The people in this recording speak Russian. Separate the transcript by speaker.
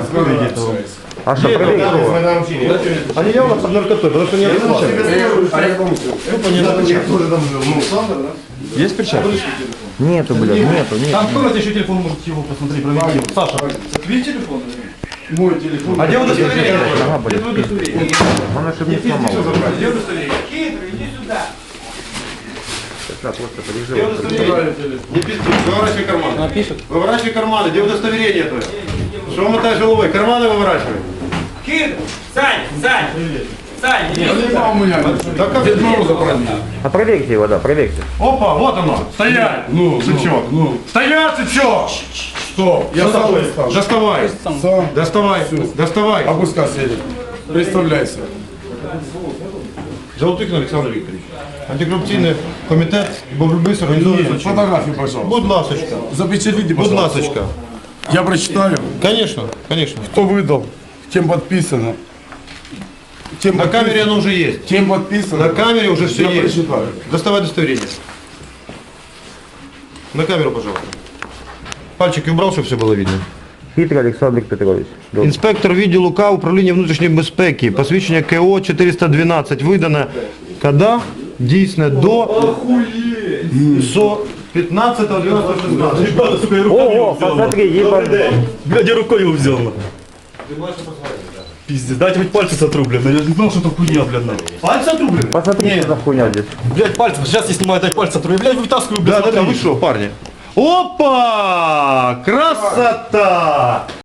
Speaker 1: А что, проверить? Они явно под наркотой, потому что не отвечают. Есть перчатки?
Speaker 2: Нету, блядь, нету.
Speaker 1: Там в комнате еще телефон, можете его посмотреть, проверить. Саша.
Speaker 3: Твой телефон? Мой телефон.
Speaker 1: А где удостоверение?
Speaker 2: Ага, блядь. Он ошибку не сломал.
Speaker 3: Где удостоверение? Хитрый, иди сюда.
Speaker 2: Сейчас просто
Speaker 3: Где
Speaker 2: приезжай.
Speaker 3: удостоверение?
Speaker 4: Не пизди, выворачивай карманы. Выворачивай карманы, где удостоверение твое? Что мотаешь головой? Карманы выворачивай.
Speaker 3: Хитрый. Сань, иди
Speaker 4: Да
Speaker 3: сюда.
Speaker 4: как Дед Мороза праздник?
Speaker 2: А проверьте его, да, проверьте.
Speaker 4: Опа, вот оно. Стоять! Ну, сычок. Стоять, сычок!
Speaker 5: Что? Я сам представлю.
Speaker 4: Доставай.
Speaker 5: Сам.
Speaker 4: Доставай.
Speaker 5: Опускайся, Эдик. Представляйся.
Speaker 4: Золотухин Александр Викторович. Антикоррупційний комітет боротьби з організованою.
Speaker 5: Фотографию, пожалуйста.
Speaker 4: Будь ласочка.
Speaker 5: Запечатлите,
Speaker 4: Будь
Speaker 5: пожалуйста.
Speaker 4: ласочка.
Speaker 5: Я прочитаю.
Speaker 4: Конечно, конечно.
Speaker 5: Кто выдал? Кем подписано? Кем
Speaker 4: На камере оно уже есть.
Speaker 5: Кем подписано?
Speaker 4: На камере уже все
Speaker 5: Я
Speaker 4: есть.
Speaker 5: прочитаю.
Speaker 4: Доставай удостоверение. На камеру, пожалуйста. Пальчики убрал, чтобы все было видно.
Speaker 2: Хитрый Александр Петрович.
Speaker 4: Інспектор відділу К управління внутрішньої безпеки. Посвідчення КО 412 видане коли? Дійсне до 15.12.16.
Speaker 2: Ого, посмотри, ебать.
Speaker 1: Блядь, я рукой его взял. Пиздец, дайте хоть пальцы сотру, блядь. Я не знал, что это хуйня, блядь.
Speaker 4: Пальці отрублены?
Speaker 2: Посмотри, что за хуйня здесь.
Speaker 1: Блядь, пальцы, сейчас я снимаю, дай пальцы сотру. Я, блядь, вытаскиваю, блядь.
Speaker 4: Да, вы что, парни? Опа! Красота!